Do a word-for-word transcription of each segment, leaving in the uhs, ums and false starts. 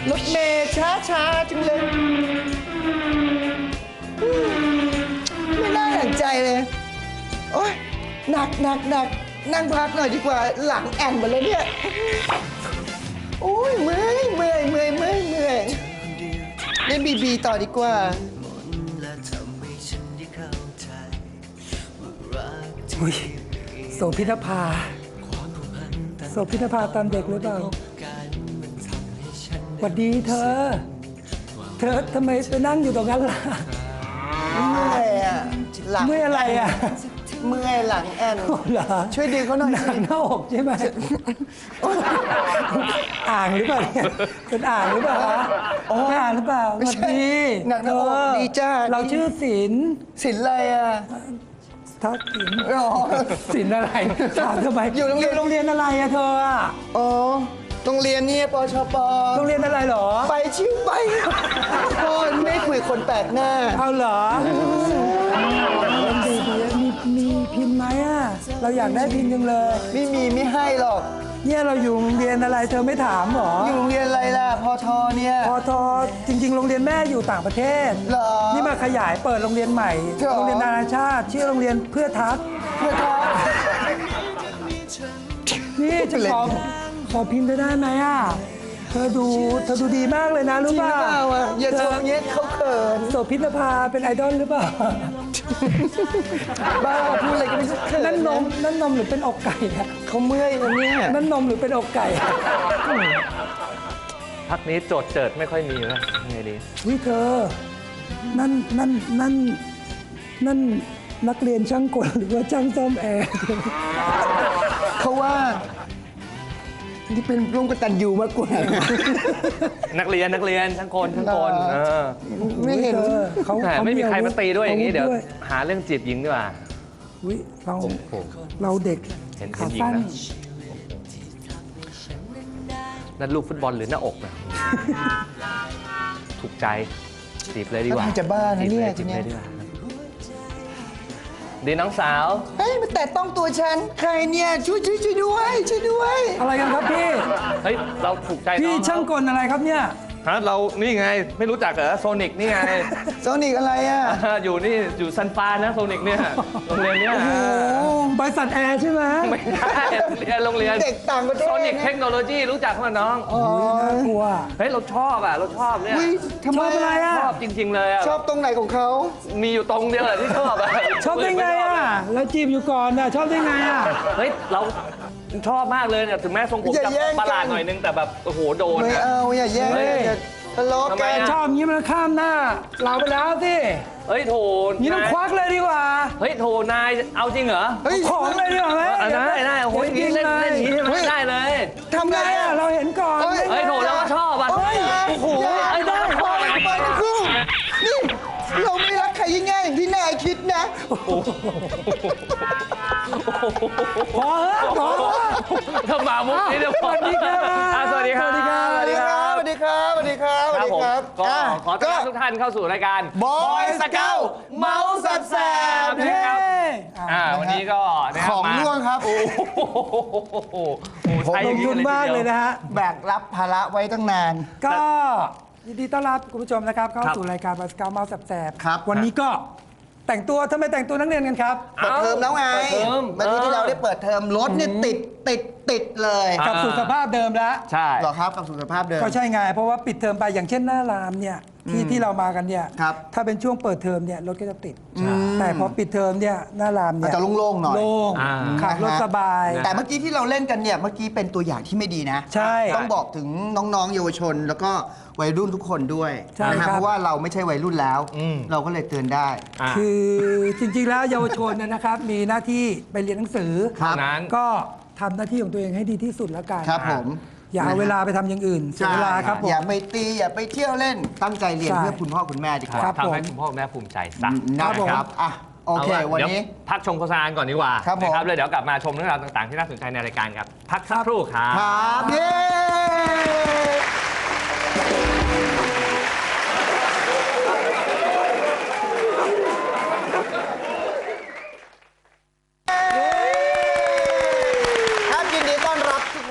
รถเมล์ช้าช้าจังเลยไม่น่าหนักใจเลยโอ๊ยหนักหนักหนักนั่งพักหน่อยดีกว่าหลังแอนหมดเลยเนี่ยโอ้ยเมื่อยเมื่อยเมื่อยเมื่อยเมื่อยเล่นบีบีต่อดีกว่าอุ้ยโสพิธภาโสพิธภาตอนเด็กหรือเปล่าสวัสดีเธอ เธอทำไมไปนั่งอยู่ตรงนั้นล่ะเมื่อยอ่ะหลังเมื่อยอะไรอ่ะเมื่อยหลังแอนเหรอช่วยดึงเขาหน่อยหนังหน้าอกใช่ไหมอ่างหรือเปล่าเนี่ยเป็นอ่างหรือเปล่าฮะเป็นอ่างหรือเปล่าสวัสดีหนังหน้าอกดีจ้าเราชื่อศิลป์ศิลป์อะไรอ่ะทักศิลป์อ๋อศิลป์อะไรถามทำไมอยู่โรงเรียนโรงเรียนอะไรอะเธออะอ๋อโรงเรียนเนี่ยปชปโรงเรียนอะไรเหรอไปชิวไปพ่อไม่คุยคนแปลกหน้าเอาเหรอดีดีมีมีพินไหมอ่ะ เราอยากได้พินจังเลยไม่มีไม่ให้หรอกเนี่ยเราอยู่โรงเรียนอะไรเธอไม่ถามเหรออยู่โรงเรียนอะไรล่ะพอทอเนี่ยพอทอจริง ๆ โรงเรียนแม่อยู่ต่างประเทศเหรอนี่มาขยายเปิดโรงเรียนใหม่เหรอโรงเรียนนานาชาติชื่อโรงเรียนเพื่อทักเพื่อทอนี่จะขอขอพินเธอได้ไหมอ่ะ เธอดูเธอดูดีมากเลยนะจริรู้งหรืป่ะอเปล่าอ่ะอย่าชเธมเงี้ยเขาเขินโสพิธภาเป็นไอดอลหรือเปล่าบ้าพูดอะไรก็ไม่รู้เขินนั่นนมนั่นนมหรือเป็นอกไก่อะเขาเมื่อยนะเนี่ยนั่นนมหรือเป็นอกไก่อะพักนี้โจทย์เจิดไม่ค่อยมีนะไงดีวิเธอ นั่นนั่นนั่นนั่นนักเรียนช่างกลหรือว่าช่างซ่อมแอร์เขาว่าที่เป็นร่วมกตันยูมากกว่านักเรียนนักเรียนทั้งคนทั้งคนเหรอเออไม่เห็นธอเขาแหมเขาไม่มีใครมาตีด้วยอย่างนี้เดี๋ยวอาธหาเรื่องจีบหญิงดีกว่าวิเราโอ้โหเราเด็กเห็นขาเห็นหญิงสั้นนะ นั่นลูกฟุตบอลหรือหน้าอกนะถูกใจจีบเลยดีกว่าน่าจะบ้านะเนี่ยจีบเลยทีเนี้ยจีบเลยดีกว่าดีน้องสาวเฮ้ยมันแต่ต้องตัวฉันใครเนี่ยช่วยช่วยช่วยด้วยช่วยด้วยอะไรกันครับพี่เฮ้ยเราถูกใจพี่น้องช่างกลอะไรครับเนี่ยฮะเรานี่ไงไม่รู้จักเหรอโซนิกนี่ไงโซนิกอะไรอ่ะอยู่นี่อยู่ซันฟานนะโซนิกเนี่ยโรงเรียนเนี้ยโอ้บริษัทแอร์ใช่ไหมไม่ใช่โรงเรียนโรงเรียนเด็กต่างประเทศโซนิกเทคโนโลยีรู้จักมั้ยน้องอ๋อน่ากลัวเฮ้ยเราชอบอ่ะเราชอบเนี่ยอุ้ยทำไมชอบอะไรอ่ะชอบจริง ๆ เลยอ่ะชอบตรงไหนของเขามีอยู่ตรงเดียวแหละที่ชอบอ่ะชอบได้ไงอ่ะ แล้วจีบอยู่ก่อนอ่ะ ชอบได้ไงอ่ะเฮ้ยเราชอบมากเลยเนี่ยถึงแม้ทรงผมอย่าจะแย่งกันประหลาดหน่อยนึงแต่แบบโอ้โหโดนไม่อะเอาอย่าแย่งเฮ้ยอย่าทะเลาะทำไมกันอะชอบอย่างนี้มันข้ามหน้า เราไปแล้วสิเฮ้ยโถนี่ต้องนายควักเลยดีกว่าเฮ้ยโถนายเอาจริงเหรอเฮ้ยของเลยดีกว่าไหมเออได้ได้โอ้โหอย่างนี้เล่นเล่นอย่างนี้ใช่ไหมได้เลยทำทำไงไงอ่ะอ่ะ เราเห็นก่อนเฮ้ยเฮ้ยโถเราก็ชอบอ่ะเฮ้ยโอ้โหอย่าไอ้ได้ปล่อยปล่อยทั้งคู่นี่เราไม่รักใครง่ายๆอย่างที่นายคิดนะพอเหอะพอเหอะถ้ามามุกนี้เดี๋ยวพอสวัสดีครับอ่ะสวัสดีครับสวัสดีครับสวัสดีครับสวัสดีครับสวัสดีครับสวัสดีผมครับก็อ่ะขอต้อนรับทุกท่านเข้าสู่รายการบอยสเกลเมาส์แสบๆนะเฮ้ครับอ่าวันนี้ก็นะคขรับองมาร่วงครับโอ้โหโอ้โหใช้ลอย่างทุนมากเลยนะฮะแบกรับภาระไว้ตั้งนานก็ยินดีต้อนรับคุณผู้ชมนะครับ เข้าครับสู่รายการบาสกาเมาส์แสบๆครับวันนี้ก็แต่งตัวทำไมแต่งตัวนักเรียนกันครับเปิดเทอมแล้วไงเปิดเทอมเมื่อกี้ที่เราได้เปิดเทอมรถเนี่ยติดติดติดเลยกลับสู่สภาพเดิมแล้วใช่เหรอครับกับสุขภาพเดิมก็ใช่ไง เพราะว่าปิดเทอมไปอย่างเช่นหน้ารามเนี่ยที่ที่เรามากันเนี่ยครับถ้าเป็นช่วงเปิดเทอมเนี่ยรถก็จะติด แต่พอปิดเทอมเนี่ยหน้ารามเนี่อาจยจะโล่งๆหน่อยโล่งอ่าขับรถสบายแต่เมื่อกี้ที่เราเล่นกันเนี่ยเมื่อกี้เป็นตัวอย่างที่ไม่ดีนะใช่ต้องบอกถึงน้องๆเยาวชน แล้วก็วัยรุ่นทุกคนด้วยใช่นะครัฮะบเพราะว่าเราไม่ใช่วัยรุ่นแล้วอืมเราก็เลยเตือนได้อ่ะคือจริงๆ แล้วเยาวชนเนยนะครับ มีหน้าที่ไปเรียนหนังสือครับเท่านั้นก็ทำหน้าที่ของตัวเองให้ดีที่สุดแล้วกันครับผมอย่าเอาเวลาไปทำอย่างอื่นเสียใช่เวลาครับผมอย่าไปตีอย่าไปเที่ยวเล่นตั้งใจเรียนใช่เพื่อคุณพ่อคุณแม่ดีกว่าครับทำให้ผมคุณพ่อคุณแม่ภูมิใจซะนะครับผมครับอ่ะโอเคาล่ะวันดี๋ยนี้พักชมโฆษณาก่อนดีกว่าครับผมนะครับเลยเดี๋ยวกลับมาชมเรื่องราวต่างๆที่น่าสนใจในรายการครับ พักสักครู่ครับครับเย้ครับยินดีต้อนรับทุกคนนะครับ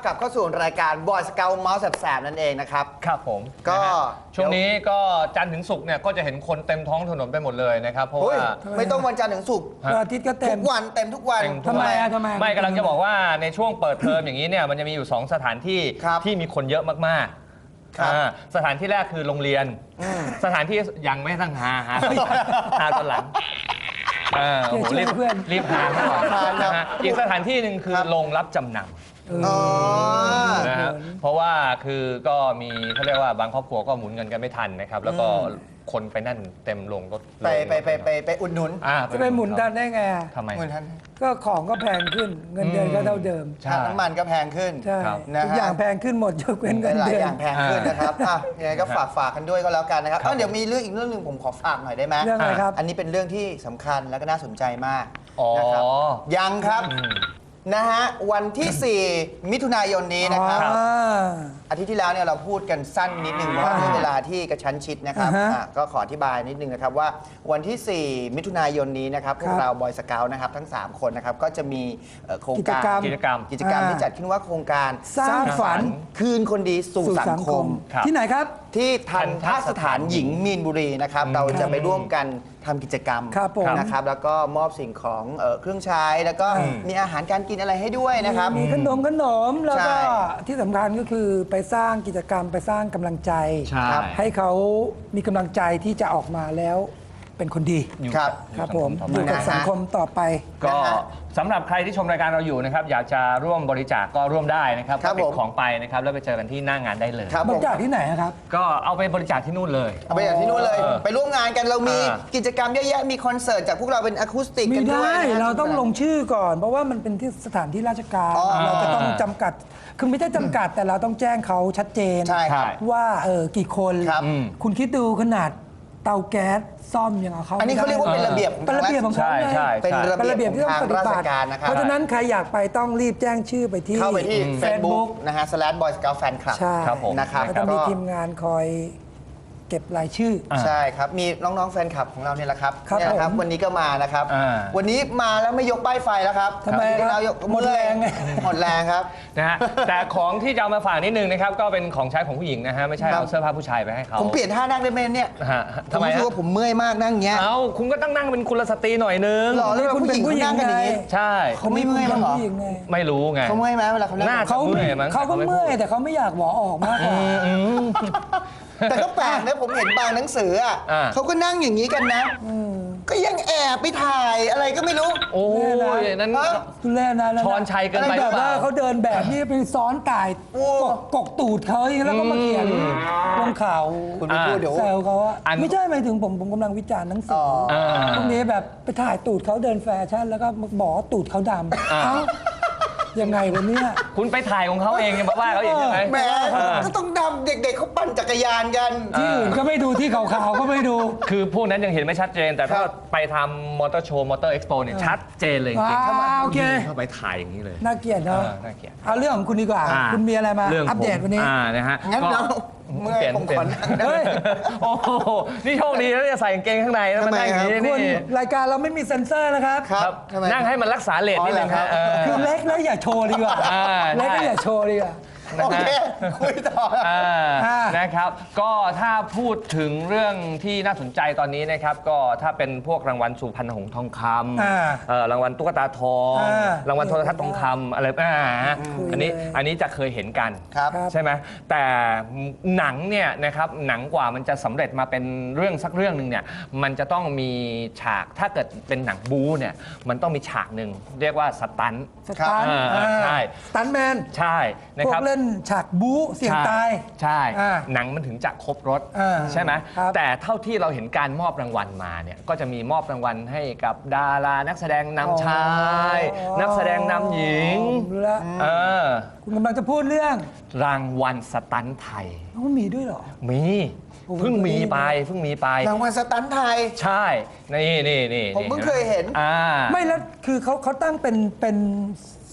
กลับเข้าสู่รายการบอยสเกลเมาส์แสบๆนั่นเองนะครับครับผมก็นะฮะช่วงนี้ก็จันทร์ถึงศุกร์เนี่ยก็จะเห็นคนเต็มท้องถนนไปหมดเลยนะครับเพราะเฮ้ยว่าไม่ต้องวันจันทร์ถึงศุกร์วันอาทิตย์ก็เต็ทุมกวันเต็มทุกวันเต็มทุกทำวันไมอะทำไมไม่กำลังจะบอกว่าในช่วงเปิดเทอมอย่างนี้เนี่ยมันจะมีอยู่สองสถานที่ครับที่มีคนเยอะมากๆครับอ่าสถานที่แรกคือโรงเรียนอืมสถานที่ยังไม่ตั้งหาหาหาตอนหลังเออโอ้โหช่วยรีบเพื่อนรีบหาก่อนหาครับนะฮะอีกสถานที่หนึ่งคือโรงรับจำนำอ๋อนะฮะเพราะว่าคือก็มีเขาเรียกว่าบางครอบครัวก็หมุนเงินกันไม่ทันนะครับ แล้วก็คนไปนั่นเต็มลงรถไปไปไปไปไปอุดหนุนอ่าจะไปหมุนดันได้ไงอะทำไมเหมือนท่านก็ของก็แพงขึ้นเงินเดือนก็เท่าเดิมใช่น้ำมันก็แพงขึ้นใช่ครับนะฮะทุกอย่างแพงขึ้นหมดยกเว้นเงินหลายเดืออน ย่างแพงขึ้นนะครับอ่ะยังไงก็ฝากฝากกันด้วยก็แล้วกันนะครับครับเอ้าเดี๋ยวมีเรื่องอีกเรื่องหนึ่งผมขอฝากหน่อยได้ไหมเรื่องอะไรครับอันนี้เป็นเรื่องที่สำคัญและก็น่าสนใจมากอ๋อนะครับยังครับอืมนะฮะวันที่ สี่ มิถุนายนนี้นะครับอ่าอาทิตย์ที่แล้วเนี่ยเราพูดกันสั้นนิดนึงเพราะว่าด้วยเวลาที่กระชั้นชิดนะครับอ่าฮะอ่ะก็ขออธิบายนิดนึงนะครับว่าวันที่ สี่ มิถุนายนนี้นะครับพวครักบเราบอยสเกลนะครับทั้ง สาม คนนะครับก็จะมีเอ่อโครงการกิจกรรมกิจกรรมกิจกรรมอ่าที่จัดขึ้นว่าโครงการสร้างฝันคืนคนดีสู่สู่สัสังงคคมมครับที่ไหนครับที่ทันทสถานหญิงทันทสถานมีนบุรีนะครับอืมเราจะไปร่วมกันทำกิจกรรมครับผมนะครับแล้วก็มอบสิ่งของเอ่อเครื่องใช้แล้วก็อืมมีอาหารการกินอะไรให้ด้วยนะครับมีขนมขนมแล้วก็ใช่ที่สำคัญก็คือไปสร้างกิจกรรมไปสร้างกำลังใจใช่ให้เขามีกำลังใจที่จะออกมาแล้วเป็นคนดีอยู่ครับอยู่ครับสังผมต่ออไปยู่กับนะฮะสังคมต่อไปก็นะฮะสำหรับใครที่ชมรายการเราอยู่นะครับอยากจะร่วมบริจาคก็ร่วมได้นะครับครับก็ติผดมของไปนะครับแล้วไปเจอกันที่หน้างานได้เลยครับบผริมจาคที่ไหนอะครับก็เอาไปบริจาคที่นู่นเลยเอาไปจากที่นู่นเลยเออไปร่วมงานกันเรามีอ่ากิจกรรมเยอะแยะมีคอนเสิร์ตจากพวกเราเป็นอะคูสติกไม่กันด้วยได้นะฮะเราต้องลงชื่อก่อน เพราะว่ามันเป็นที่สถานที่ราชการอ๋อเราจะต้องจำกัด คือไม่ใช่จำกัดแต่เราต้องแจ้งเขาชัดเจนใช่ครับว่าเออกี่คนครับอืมคุณคิดดูขนาดเตาแก๊สซ่อมยังเอาเขาอันนี้เขาเรียกว่าไม่เป็นได้ระเบียบของเป็นระเบียบของเขาใช่เลยใช่เป็นใช่ระเป็นระเบีเบียยบบ ขที่องต้องทางปฏิราบัชติการนะครับเพราะฉะนั้นใครอยากไปต้องรีบแจ้งชื่อไปที่เข้าไปที่เฟซบุ๊ Facebook นะฮะ slash boy scout fan club ใช่ครับผมนะครับแล้วก็มีทีมงานคอยเก็บรายชื่ออ่าใช่ครับ มีน้อง ๆ แฟนคลับของเราเนี่ยแหละครับครับเนี่ยนะครับผมวันนี้ก็มานะครับอ่าวันนี้มาแล้วไม่ยกป้ายไฟแล้วครับทำไมจริงๆครับแล้วยกหมดแรงไงหมดแรงครับนะฮะแต่ของที่จะเอามาฝากนิดนึงนะครับก็เป็นของใช้ของผู้หญิงนะฮะไม่ใช่ครับเอาเสื้อผ้าผู้ชายไปให้เขาผมเปลี่ยนท่านั่งได้ไหมเนี่ยนะฮะผมทำไมรู้สึกฮะว่าผมเมื่อยมากนั่งอย่างเงี้ยเอ้าคุณก็ต้องนั่งเป็นกุลสตรีหน่อยนึงหล่อเลยคุณเป็นผู้หญิงนั่งกันอย่างนี้ไงใช่เขาไม่เมื่อยมั้างเหรอผู้ญิงไงไม่รู้ไงเขาเมื่อยไหมเวลาเขานั่งน่าเขาเมื่อยมั้งเขาก็แต่เขาไม่เมื่อยพูดแต่เขาไม่อยากหวอออกมากกว่าอืมแต่ก็แปลกนะผมเห็นบางหนังสืออ่ะอ่าเขาก็นั่งอย่างนี้กันนะ ก็ยังแอบไปถ่ายอะไรก็ไม่รู้โอ้ยนั่นฮะทุเรศนะแล้วะช้อนชัยเกินไปแบบหรือเปว่าล่าเขาเดินแบบนี้ไปซ้อนก่ายโอ้กกกกตูดเขาอย่างนี้แล้วก็มาเขียนลงข่าวคุณไปพูดเดี๋ยวแซวเขาว่าอันไม่ใช่หมายถึงผมผมกำลังวิจารณ์หนังสือ๋อออ่าพวกนี้แบบไปถ่ายตูดเขาเดินแฟชั่นแล้วก็บอกว่าตูดเขาดำอ่าเอ้ายังไงวะเนี่ยคุณไปถ่ายของเขาเองยังมาว่าเขาเองใช่ไหมแหมเออก็ต้องดำเด็กๆเขาปั่นจักรยานกันที่อื่นก็ไม่ดูที่ขาวๆก็ไม่ดูคือพวกนั้นยังเห็นไม่ชัดเจน แต่ถ้าครับไปทำมอเตอร์โชว์มอเตอร์เอ็กซ์โปเนี่ยชัดเจนเลยจริงๆว้าวโอเคเข้าไปถ่ายอย่างนี้เลยน่าเกลียดเนาะเออน่าเกลียดเอาเรื่องของคุณดีกว่าอ่าคุณมีอะไรมาเรื่องอัปเดตวันนี้อ่านะฮะงั้นก็เราเมื่อยปลี่ยนผมเปลี่ขยอน นั่งได้เฮ้ยโอ้โหนี่โชคดีแล้วจะใส่กางเกงข้างในแล้วมันนั่งอย่างนี้คุณนี่รายการเราไม่มีเซ็นเซอร์นะครับครับทำไมนั่งให้มันรักษาเลทนิดนึงอ๋อเหรอครัฮะบเออคือเล็กแล้วอย่าโชว์ดีกว่าอ่าเล็กก็ได้อย่าโชว์ดีกว่าโอเค คุยต่ออ่าอ่านะครับ ก็ถ้าพูดถึงเรื่องที่น่าสนใจตอนนี้นะครับ ก็ถ้าเป็นพวกรางวัลสุพรรณหงส์ทองคอ่าำเอ่อรางวัลตุ๊กตาทองอ่ารางวัลโทรทัศน์ทองคำอะไรอ่าอันนี้อันนี้จะเคยเห็นกันครับครับใช่ไหมแต่หนังเนี่ยนะครับหนังกว่ามันจะสำเร็จมาเป็นเรื่องสักเรื่องหนึ่งเนี่ยมันจะต้องมีฉากถ้าเกิดเป็นหนังบู๊เนี่ยมันต้องมีฉากหนึ่งเรียกว่าสตันท์สตันท์อ่าใช่สตันท์แมนใช่นะพวคกรับเล่นฉากบู๊เสี่ยงตายใช่อ่าหนังมันถึงจะครบรถอ่าใช่ไหมครับแต่เท่าที่เราเห็นการมอบรางวัลมาเนี่ยก็จะมีมอบรางวัลให้กับดารานักแสดงนำชายอ๋อนักแสดงนำหญิงผมรู้แล้วเออคุณกำลังจะพูดเรื่องรางวัลสตันท์ไทยมันมีด้วยเหรอมีโอ้โหเพิ่งมีไปเพิ่งมีไปรางวัลสตันท์ไทยใช่ นี่นี่นี่ผมเพิ่งเคยเห็นอ่าไม่แล้วคือเขาเขาตั้งเป็นเป็น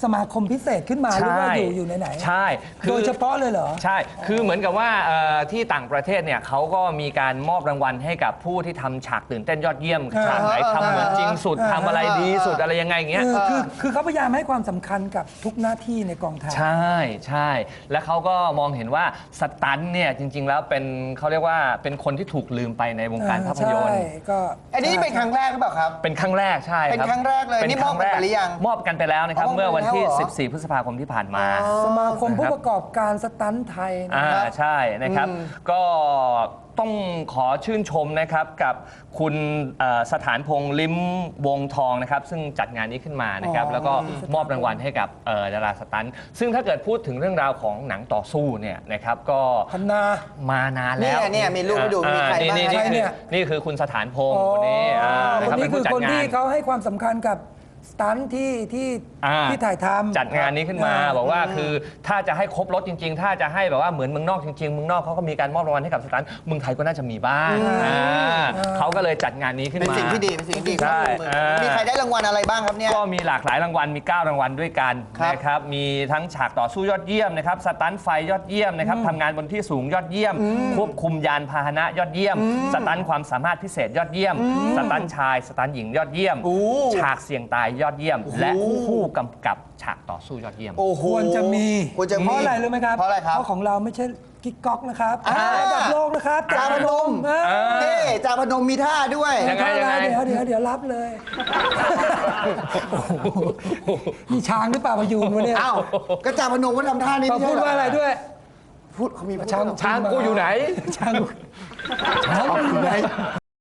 สมาคมพิเศษขึ้นมาหรือว่าอยู่อยู่ไหนๆใช่คือโดยเฉพาะเลยเหรอใช่ คือเหมือนกับว่าเอ่อที่ต่างประเทศเนี่ยเขาก็มีการมอบรางวัลให้กับผู้ที่ทำฉากตื่นเต้นยอดเยี่ยมอ่าฉากไหนทำเหมือนจริงสุดอ่าทำอะไรดีสุดอะไรยังไงอย่างเงี้ยเออคือคือเขาพยายามให้ความสำคัญกับทุกหน้าที่ในกองถ่ายใช่ใช่ แล้วเขาก็มองเห็นว่าสตันท์เนี่ยจริง ๆ แล้วเป็นเขาเรียกว่าเป็นคนที่ถูกลืมไปในวงการภาพยนตร์ใช่ก็อันนี้เป็นครั้งแรกหรือเปล่าครับเป็นครั้งแรกใช่ครับเป็นครั้งแรกเลยนี่มอบกันไปหรือยังมอบกันไปแล้วนะครับอ๋อเมื่อวันที่มอบไปแล้วเหรอสิบสี่ พฤษภาคมที่ผ่านมาสมาคมผู้ประกอบการสตันท์ไทยนะอ่าครับใช่นะครับ ก็ต้องขอชื่นชมนะครับกับคุณเอ่อสถานพงษ์ลิ้มวงทองนะครับ ซึ่งจัดงานนี้ขึ้นมานะครับอ๋อแล้วก็มอบรางวัลให้กับเอ่อดาราสตันท์ซึ่งถ้าเกิดพูดถึงเรื่องราวของหนังต่อสู้เนี่ยนะครับก็พันนามานานแล้วเนี่ยเนี่ยมีรูปให้ดูมีใครอ่บ้างนี่ใครนี่เนี่ยนี่คือคุณสถานพงษ์คนนี้อ่าคนะนรับนี้เป็นคืผู้อจัดคนงาที่นเขาให้ความสำคัญกับสตันท์ที่ที่อ่าที่ถ่ายทำจัดงานนี้ขึ้นมาอ่าบอกว่าคือถ้าจะให้ครบรถจริง ๆ ถ้าจะให้แบบว่าเหมือนเมืองนอกจริงๆเมืองนอกเขาก็มีการมอบรางวัลให้กับสตันท์เมืองไทยก็น่าจะมีบ้างอ่าเขาก็เลยจัดงานนี้ขึ้นเป็นมาสิ่งที่ดีเป็นสิ่งที่ดีใช่ครับอ่ามีมีใครได้รางวัลอะไรบ้างครับเนี่ยก็มีหลากหลายรางวัลมี เก้า รางวัลด้วยกันครับนะครับมีทั้งฉากต่อสู้ยอดเยี่ยมนะครับสตันท์ไฟยอดเยี่ยมนะครับทำงานบนที่สูงยอดเยี่ยม ควบคุมยานพาหนะยอดเยี่ยม สตันท์ความสามารถพิเศษยอดเยี่ยม สตันท์ชายสตันท์หญิงยอดเยี่ยมโอ้ฉากเสี่ยงตายยอดเยี่ยม และผู้กำกับฉากต่อสู้ยอดเยี่ยมโอ้โหควรจะมีควรจะมีเพราะอะไรรู้ไหมครับเพราะอะไรครับเพราะของเราไม่ใช่กิ๊กก๊อกนะครับอ่าระดับโลกนะครับจาพนมเออเฮ้จาพนมมีท่าด้วยยังไงเท่าไรเดี๋ยวเดี๋ยวเดี๋ยวรับเลยโอ้โหนี่ช้างหรือเปล่าพยูนวะเนี่ยอ้าวก็จาพนมก็ทำท่านี้เขาไม่ใช่พูดเหรอว่าอะไรด้วยพูดเขามีพูดช้างช้างกูอยู่ไหนช้างช้างอยู่ไหน